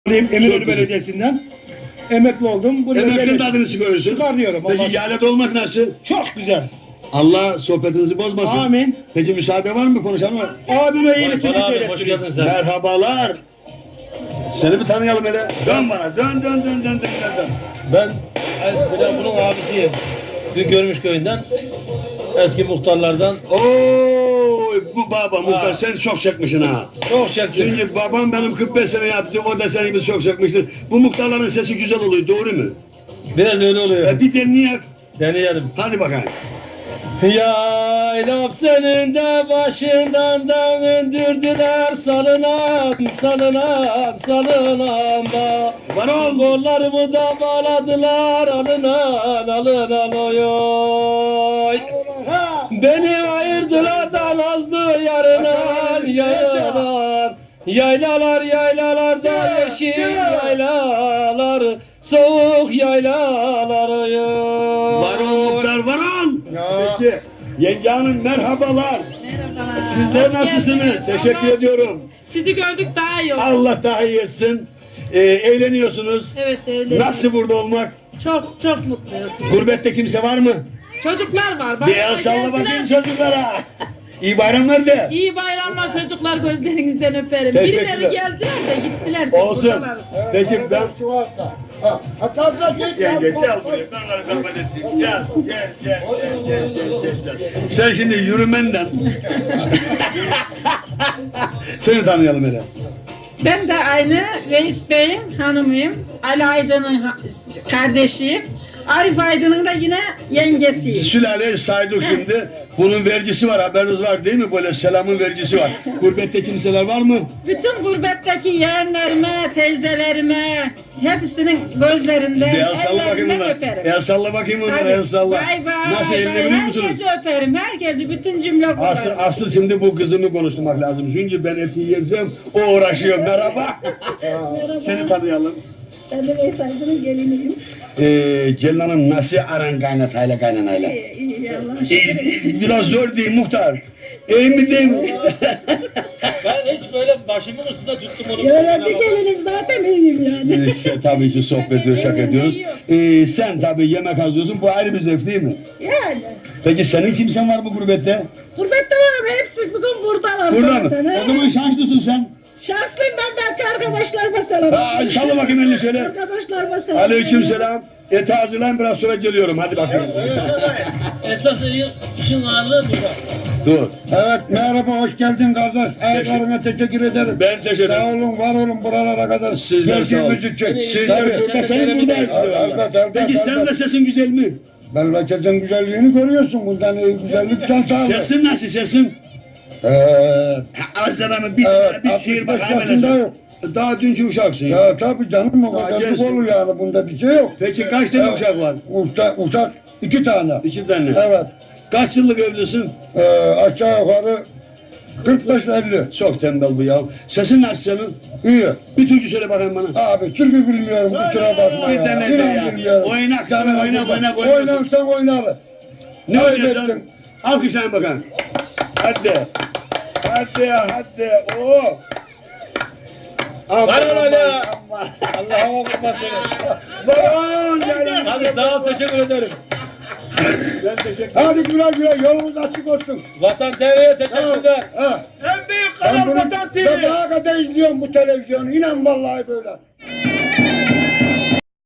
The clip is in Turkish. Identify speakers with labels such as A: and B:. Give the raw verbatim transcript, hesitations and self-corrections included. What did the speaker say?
A: Eminönü Belediyesi'nden emekli oldum. Buraya
B: Emeklinin adını çıkarıyorsun.
A: çıkarıyorum.
B: Peki yalet olmak nasıl?
A: Çok güzel.
B: Allah sohbetinizi bozmasın.
A: Amin.
B: Peki müsaade var mı, konuşalım mı?
A: Abime iyilikini
C: Vay, abi, hoş
A: seyrettireyim.
C: geldin sen.
B: Merhabalar. Seni bir tanıyalım hele. Dön bana. Dön dön dön dön dön dön. dön.
C: Ben ben bunun abisiyim. Bir Görmüş köyünden. Eski muhtarlardan.
B: Oy bu baba muhtar
C: Ha.
B: sen çok çekmişsin ha.
C: Çok çektim.
B: Çünkü babam benim kırk beş sene yaptı, o da senin gibi çok çekmiştir. Bu muhtarların sesi güzel oluyor, doğru mu?
C: Biraz öyle oluyor.
B: E, bir deneyek.
C: Deneyelim.
B: Hadi bakalım.
C: Yaylap senin de başından döndürdüler salınan salınan salınan da
B: Var ol.
C: kollarımı da bağladılar alınan alınan oy. Beni ayırdılar da nazlı yarından yaylalar. Yaylalar yaylalar da yeşil yaylalar, soğuk yaylalar oy.
B: Var ol muhtar, var ol. Peki. Yenge hanım merhabalar.
D: Merhabalar.
B: Sizler
D: Hoş
B: nasılsınız?
D: geldiniz.
B: Teşekkür
D: Allah
B: ediyorum.
D: Sizi gördük daha iyi oldu.
B: Allah daha iyi etsin. Ee, eğleniyorsunuz.
D: Evet öyle.
B: Nasıl burada olmak?
D: Çok çok mutluyuz.
B: Gurbette kimse var mı?
D: Çocuklar var. Bak,
B: Bir el salla bakayım çocuklara. İyi bayramlar de.
D: İyi bayramlar çocuklar, gözlerinizden öperim.
B: Teşekkürler.
D: Birileri geldiler de gittiler.
B: Olsun.
D: buradalar.
B: Peki ben...
E: Gel
B: Gel gel gel buraya. Ben onları kabul ettim. Gel gel gel gel gel gel gel. Sen şimdi yürümenden. Seni tanıyalım hele.
F: Ben de aynı Reis Bey'in hanımıyım. Ali Aydın'ın ha- kardeşiyim. Arif Aydın'ın da yine yengesiyim.
B: Sülaleyi saydık şimdi. Bunun vergisi var, haberiniz var değil mi? Böyle selamın vergisi var. Gurbette kimseler var mı?
F: Bütün gurbetteki yeğenlerime, teyzelerime, hepsinin gözlerinde,
B: Bir el salla bakayım
F: ellerinden
B: bunlar.
F: öperim.
B: El salla bakayım bunlar,
F: Tabii.
B: el salla.
F: Bay bay,
B: Nasıl
F: bay
B: elini
F: bay.
B: biliyor musunuz?
F: Herkesi öperim, herkesi, bütün cümle
B: Asıl,
F: kurarım.
B: asıl şimdi bu kızımı konuşturmak lazım. Çünkü ben eti yersem o uğraşıyor. Merhaba. Seni tanıyalım.
F: Ben de Reis Aydın'ın geliniyim.
B: Ee, gelin hanım nasıl aran kaynatayla kaynanayla?
F: İyi, iyi, Allah'a
B: Ee,
F: şükür.
B: biraz zor değil muhtar. İyi mi değil mi?
C: Ben hiç böyle başımın üstünde tuttum onu.
F: Öyle bir gelinim zaten iyiyim yani.
B: Ee, tabii ki sohbet ediyoruz, şaka ediyoruz. Ee, sen tabii yemek hazırlıyorsun. Bu ayrı bir zevk değil mi?
F: Yani.
B: Peki senin kimsen var bu gurbette?
F: Gurbette var, hepsi bugün buradalar
B: Burada mı?
F: zaten. he.
B: O zaman şanslısın sen.
F: Şanslıyım ben, belki arkadaşlarıma selam.
B: Ha, salla bakayım elini şöyle.
F: Arkadaşlarıma selam.
B: Aleyküm selam. Eti hazırlayın, biraz sonra geliyorum. Hadi bakayım.
C: Esas işin ağırlığı burada.
B: Dur.
E: Evet merhaba, hoş geldin kardeş. Ayaklarına teşekkür ederim.
B: Ben teşekkür
E: Sağ
B: ederim.
E: olun, var olun buralara kadar.
B: Sizler sağ olun.
E: Geldiğimiz için.
B: Sizler
E: Tabii.
B: burada, senin burada.
E: Elbette, elbette,
B: Peki sen de
E: elbette.
B: sesin güzel mi?
E: Memleketin güzelliğini görüyorsun. Bundan iyi güzellik sen sağ ol.
B: Sesin nasıl sesin?
E: Evet.
B: Azralı bir,
E: Evet,
B: bir şiir bak
E: altmış beş
B: hemen
E: yaşında
B: sen.
E: yok.
B: Daha dünkü uşaksın ya.
E: Ya tabii canım, o
B: Daha
E: kadarlık
B: gençsin.
E: olur yani, bunda bir şey yok.
B: Peki kaç tane
E: Evet.
B: uşak var?
E: Usta, uşak iki tane.
B: İki tane.
E: Evet.
B: Kaç yıllık evlisin?
E: Ee, aşağı yukarı kırk beş elli.
B: Çok tembel bu ya. Sesin nasıl senin?
E: İyi.
B: Bir türkü söyle bakayım bana.
E: Abi türkü bilmiyorum, kusura bakma
B: Bir
E: ya.
B: tane de
E: İnan
B: ya.
E: bilmiyorum.
B: Oynak,
E: Canım,
B: oynak, oynak, oynak.
E: Oynarsan oynarım.
B: Ne
E: Kaybettin.
B: oynayacaksın? Alkışlayın bakalım. Hadi. Hadi hadi. Oo.
C: Var öyle.
B: aman.
C: Allah'a kurban seni.
B: Baron canım.
C: Hadi sağ ol, teşekkür ederim.
B: Ben teşekkür ederim.
E: Hadi güle güle, yolunuz açık olsun.
C: Vatan T V'ye teşekkürler.
E: Ha.
C: En büyük
E: Ben
C: kanal
E: bunu
C: Vatan T V.
E: sabaha kadar izliyorum bu televizyonu. İnan vallahi böyle.